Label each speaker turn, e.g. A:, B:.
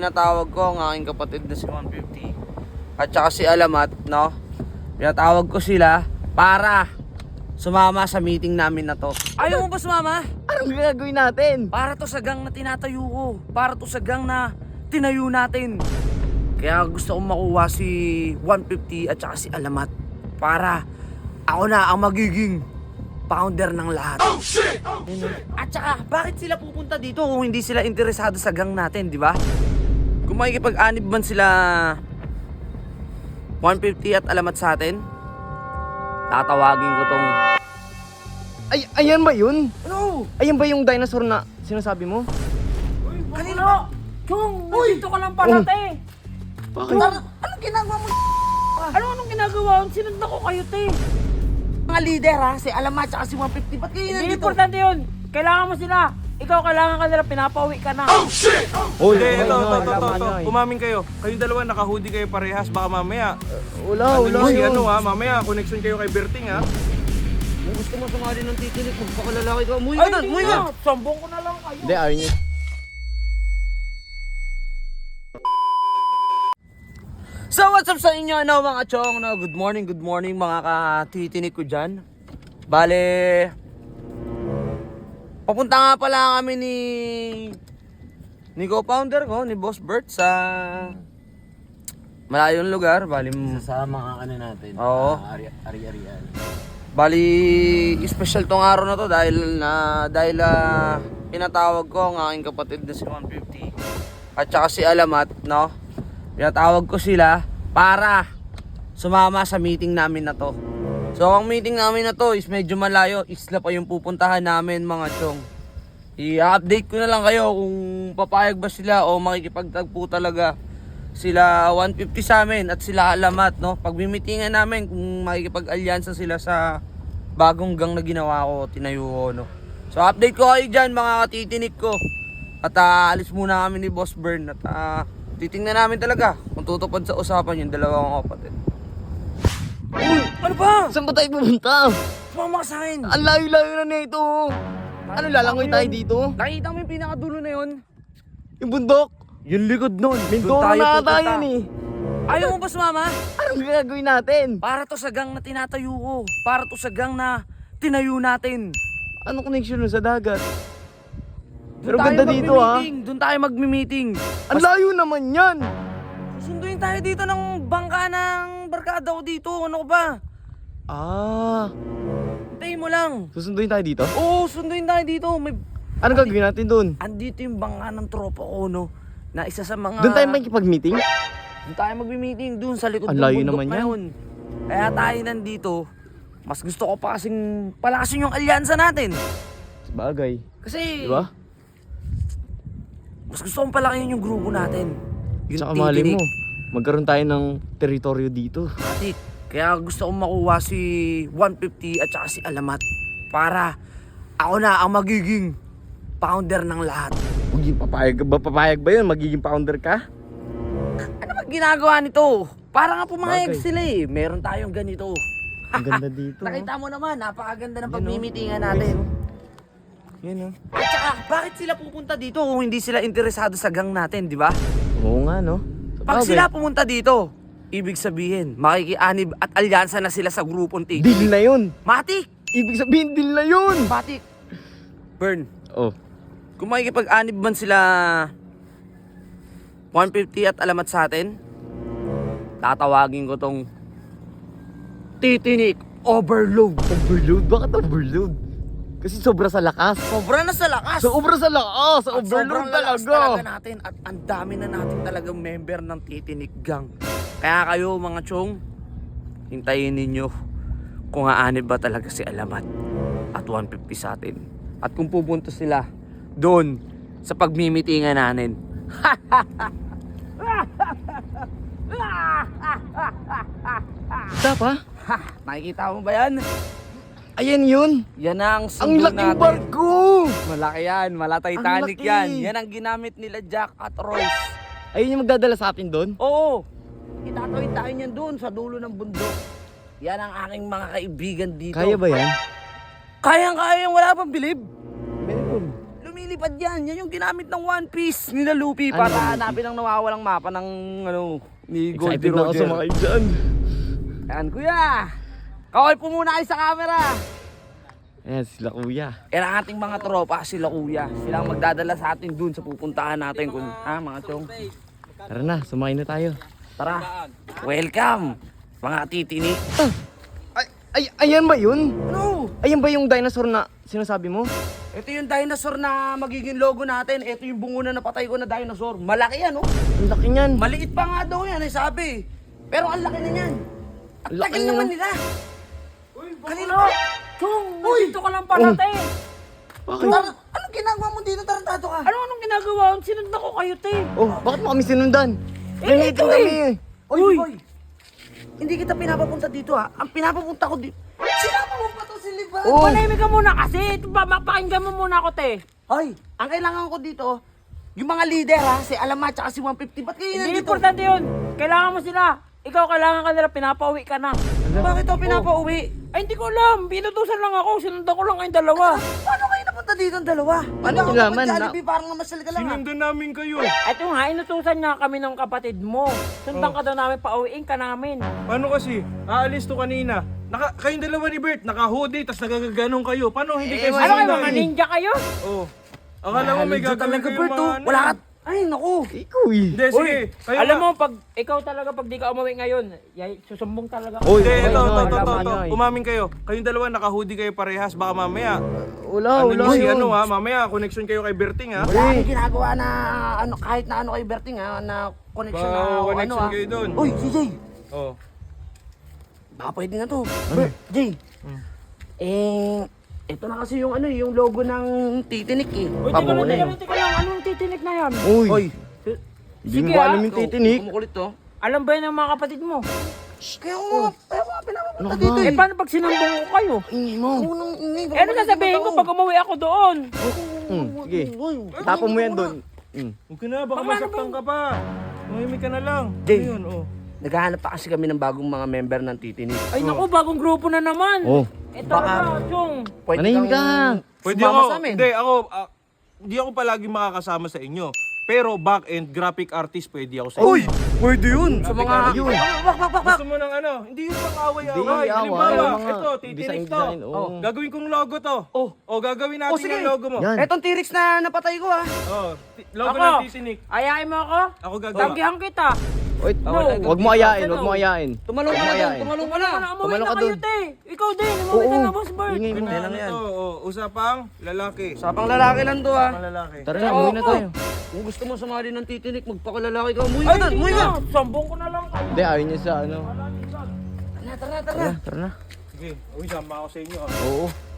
A: pinatawag ko ang aking kapatid na si 150 at saka si Alamat, no? Pinatawag ko sila para sumama sa meeting namin na to. Ayaw mo ba sumama?
B: Anong gagawin natin?
A: Para to sa gang na tinatayo ko. Para to sa gang na tinayo natin. Kaya gusto kong makuha si 150 at saka si Alamat. Para ako na ang magiging founder ng lahat. Oh shit! Oh shit! At saka, bakit sila pupunta dito kung hindi sila interesado sa gang natin, di ba? Kung makikipag-anib man sila 150 at Alamat sa atin, tatawagin ko tong...
B: Ay, ayan ba yun?
A: Ano?
B: Ayan ba yung dinosaur na sinasabi mo?
A: Kanino?
C: Chong, nandito ka lang pala, te.
B: Bakit?
A: Anong ginagawa mo?
C: Anong ginagawa? Sinundan ko kayo, te.
A: Mga leader ha, si Alamat at si 150, ba't kayo
C: Hindi
A: nandito?
C: importante yun. Kailangan mo sila. Ikaw kailangan ka nila, pinapauwi ka na.
B: Oh,
D: Hindi, ito. Umamin kayo. Kayong dalawa naka-hoodie kayo parehas. Baka mamaya.
B: Wala
D: Si
B: yun.
D: ano ha, mamaya connection kayo kay Berting ha.
A: Kung gusto mo sumali ng titinik, magpakalalaki ka. Umuwi
C: Ay,
A: ka doon, umuwi
C: hindi
A: ka!
C: na. Sambong ko na lang kayo.
B: Hindi, ayaw niya.
A: So what's up sa inyo mga chong? No? Good morning mga katitinik ko dyan. Bale, papunta nga pala kami ni co-founder ko, ni Boss Bert sa malayong lugar. Bali,
B: Sa mga ano natin.
A: Oo.
B: Ari-arian.
A: Bali, special tong araw na to dahil pinatawag ko ang aking kapatid na si 150 at saka si Alamat, no? Pinatawag ko sila para sumama sa meeting namin na to. So ang meeting namin na to is medyo malayo, isla pa yung pupuntahan namin mga chong. I-update ko na lang kayo kung papayag ba sila o makikipagtagpo talaga sila 150 sa amin at sila Alamat, no? Pagmimitingan namin kung makikipag-alyansa sila sa bagong gang na ginawa ko, tinayo ko, no? So update ko kayo dyan mga katitinik ko. At alis muna kami ni Boss Bern at titingnan namin talaga kung tutupad sa usapan yung dalawang kapatid. Uy! Ano ba?
B: Saan ba tayo pumunta?
A: Sumama ka sa akin!
B: Ang layo-layo na nito. Ano, lalangoy tayo dito?
A: Nakita mo yung pinakadulo na yun?
B: Yung bundok?
A: Yung likod nun.
B: Mindoro na ata yun eh.
A: Ayaw mo ba sumama?
B: Anong gagawin natin?
A: Para to sa gang na tinatayo ko. Para to sa gang na tinayo natin.
B: Anong connection nun sa dagat?
A: Doon
B: Pero
A: tayo
B: ganda dito ha.
A: magmi-meeting. Doon tayo magmi-meeting.
B: Ang layo naman yan.
A: Susunduin tayo dito ng bangka ng barkada ko dito. Ano ko ba?
B: Ah,
A: Hintayin mo lang.
B: susunduin tayo dito?
A: Oo, sunduin tayo dito. May...
B: Anong gagawin natin doon?
A: Andito yung bangka ng tropa ko, no? Na isa sa mga...
B: Doon tayo makikipag-meeting?
A: Doon tayo magmi-meeting. Doon sa likod
B: Ang
A: ng
B: layo
A: bundok
B: naman
A: na
B: yan.
A: yun. Kaya tayo nandito. Mas gusto ko pa kasing palakasin yung alyansa natin.
B: Sabagay.
A: Kasi...
B: Diba?
A: Mas gusto kong palakihin yung grupo natin. Yung
B: Tsaka mali
A: titinik.
B: mo, magkaroon tayo ng teritoryo dito.
A: Matik. Kaya gusto kong makuha si 150 at saka si Alamat. Para ako na ang magiging founder ng lahat.
B: Papayag ba yun? Magiging founder ka?
A: Ano ba ginagawa nito? Para nga pumayag
B: Bagay.
A: sila eh. Meron tayong ganito.
B: Ang ganda dito.
A: Nakita mo naman, napakaganda ng
B: Yan,
A: pagmimitingan natin.
B: Yan oh.
A: At saka, bakit sila pupunta dito kung hindi sila interesado sa gang natin, di ba?
B: Oo nga no.
A: Pag
B: Sabagay.
A: sila pumunta dito, ibig sabihin, makikianib at alyansa na sila sa grupong
B: Deal
A: Tigil.
B: na yun.
A: Matik!
B: Ibig sabihin deal na yun.
A: Matik! Burn.
B: Oh.
A: Kung makikipag-anib man sila 150 at Alamat sa atin, tatawagin ko tong Titinik Overload.
B: Overload? Bakit overload? Kasi sobra sa lakas.
A: Sobra na sa lakas!
B: Sobra sa lakas.
A: At sobrang
B: Overload
A: lakas
B: talaga.
A: talaga natin at ang dami na natin talagang member ng Titinik Gang. Kaya kayo mga chong, hintayin ninyo kung aanib ba talaga si Alamat at 150 sa atin. At kung pupunta sila doon sa pagmimitingan natin.
B: Stop ha?
A: Ha! Nakikita mo ba yan?
B: Ayan yun.
A: Yan ang
B: Ang
A: sundo
B: laking
A: natin.
B: barko.
A: Malaki yan, mala Titanic
B: Ang laki.
A: yan. Yan ang ginamit nila Jack at Rose.
B: Ayun yung magdadala sa atin doon.
A: Oo, itatawid tayo niyan doon sa dulo ng bundok. Yan ang aking mga kaibigan dito.
B: Kaya ba yan?
A: Kayang-kaya yung wala pang bilib.
B: Meron.
A: Lumilipad lumilipad yan. Yan yung ginamit ng One Piece nila Luffy para
B: Luffy?
A: hanapin ang nawawalang mapa ng ni Goldie
B: Excited na ako
A: Roger.
B: sumakay dyan.
A: Ayan, kuya. Kawal po muna kayo sa camera.
B: Ayan, sila kuya.
A: Yan ang ating mga tropa, sila kuya. Sila ang magdadala sa atin dun sa pupuntahan natin. Mga chong.
B: Tara na, sumakay na tayo.
A: Tara. Welcome, mga titini.
B: Ayan ba yun?
A: Ano?
B: Ayan ba yung dinosaur na sinasabi mo?
A: Ito yung dinosaur na magiging logo natin. Ito yung bungo na napatay ko na dinosaur. Malaki yan, oh.
B: Ang laki niyan.
A: Maliit pa nga daw yan, sabi. Pero ang laki na yan. Ang
B: Laki
A: tagal
B: na.
A: naman nila. Kanina.
C: Chong, nandito ka lang pala, te.
B: Bakit?
A: Anong ginagawa mo dito? Tarantado ka.
C: Anong ginagawa? Sinundan ko kayo, te.
B: Oh, bakit mo kami sinundan?
C: Eh,
B: Nanitin
C: ito
B: kami eh.
A: Oy, boy. Hindi kita pinapapunta dito, ha. Ang pinapapunta ko dito. Sinama mo pa to si Liban.
B: Oh.
C: Manahimik ka muna kasi. Pakinggan mo muna ako, te.
A: Hoy, ang kailangan ko dito, yung mga leader, ha. Si Alamat at si 150. Ba't kayo
C: Hindi
A: nandito?
C: importante yun. Kailangan mo sila. Ikaw, kailangan ka nila. Pinapauwi ka na.
A: Bakit ako pinapauwi?
C: Ay, hindi ko alam. Binutusan lang ako. Sinundan ko lang kayong dalawa.
A: Paano kayo napunta dito ang dalawa? Ano
B: Ano laman, na-
A: Jollibee, parang namasal ka lang, ha.
D: Sinundan namin kayo.
C: At yung nga, inutusan niya kami ng kapatid mo. Sundan ka daw namin, pauwiin ka namin.
D: Paano kasi? Aalis to kanina. Kayong dalawa ni Bert, naka-hoodie, tas nagagaganong kayo. Paano hindi kayo
C: Ano kayo, mga
D: susundan?
C: ninja kayo?
D: Oh. Akala mo may
A: Ninja
D: gagawin
A: talaga,
D: kayo
A: Bert, oh.
D: ano.
A: Wala ka. Ay, naku.
B: Ikaw eh.
D: Hindi, sige. Kayo
C: Alam
D: nga.
C: mo, pag ikaw talaga, pag di ka umuwi ngayon, susumbong talaga.
B: Oy,
D: Hindi,
B: oy,
D: ito.
B: tama yan.
D: Umamin kayo. Kayong dalawa, naka-hoodie kayo parehas. Baka mamaya.
B: Wala,
D: Ano
B: wala
D: nyo si
B: yun.
D: ano ha? Mamaya, connection kayo kay Berting ha?
A: Wala akong ginagawa na ano, kahit na ano kay Berting, ha, na connection na
D: Ba,
A: o ano,
D: connection
A: ha.
D: kayo dun.
A: Uy, CJ.
D: Oh.
A: Baka pwede na to. Bert, Jay. Ito na kasi yung ano, yung logo ng Titinik, eh.
C: Uy, teka lang, anong titinik na yan?
B: Uy, hindi mo
C: Sige,
B: ba
C: ah.
B: alam yung titinik?
A: Kumukulit to.
C: Alam ba yun ng mga kapatid mo?
A: Kaya ko nga pinapapunta
B: Ano
A: dito,
B: ba?
A: eh.
C: Eh, paano pag sinumbong ko kayo?
B: Ingay mo.
A: Unang ingay.
C: Eh, ano sasabihin ko pag umuwi ako doon?
B: Sige, tapon mo yan doon.
D: Huwag ka na, baka
C: Paano
D: masaktan ka pa. Mahimik ka na lang.
A: Jay.
D: Ano yun, oh.
A: Naghahanap pa kasi kami ng bagong mga member ng Titinik.
C: Ay, naku, bagong grupo na naman.
B: Oh,
C: Eh, talaga, Chong.
B: Manahimik ka.
D: Pwede
A: sumama
D: ako,
A: sa amin.
D: hindi ako palagi makakasama sa inyo. Pero back-end, graphic artist, pwede ako sa inyo.
A: Uy! Pwede yun! Sa mga...
B: Yun.
A: Bak!
D: Gusto mo ng ano? Hindi yung pang-away-away.
B: Hindi, away,
D: Halimbawa,
B: yung mga
D: ito, titinik to.
B: design, oo.
D: Gagawin kong logo to. O, gagawin natin
A: sige.
D: yung logo mo.
B: Yan.
A: Etong T-Rex na napatay ko, ha.
D: Logo
C: Ako.
D: ng titinik.
C: Ayain mo ako?
D: Ako gagawa.
C: Tanggihan kita.
B: Wait,
C: No.
B: wag mo ayain, wag mo ayain.
A: Tumalong ka na doon, tumalong ka na.
C: Umuwi
B: Tumalon
C: na
B: ka
C: kayo,
B: dun.
C: te. Ikaw din, umuwi ka na, Boss Bert.
B: Ingay mo.
A: lang yan.
D: Usapang lalaki.
A: Sapang lalaki lang to, ha.
D: Usapang lalaki.
B: Tara na, umuwi na tayo.
A: Kung gusto mo sumali ng Titinik, magpakalalaki ka. Umuwi ka doon,
C: Hindi
A: umuwi ka.
C: na, sambong ko na lang kayo.
B: Hindi, ayaw niya sa ano.
A: Tara na.
B: Tara na.
D: Sige, uy, sama ako sa inyo.
B: Oo.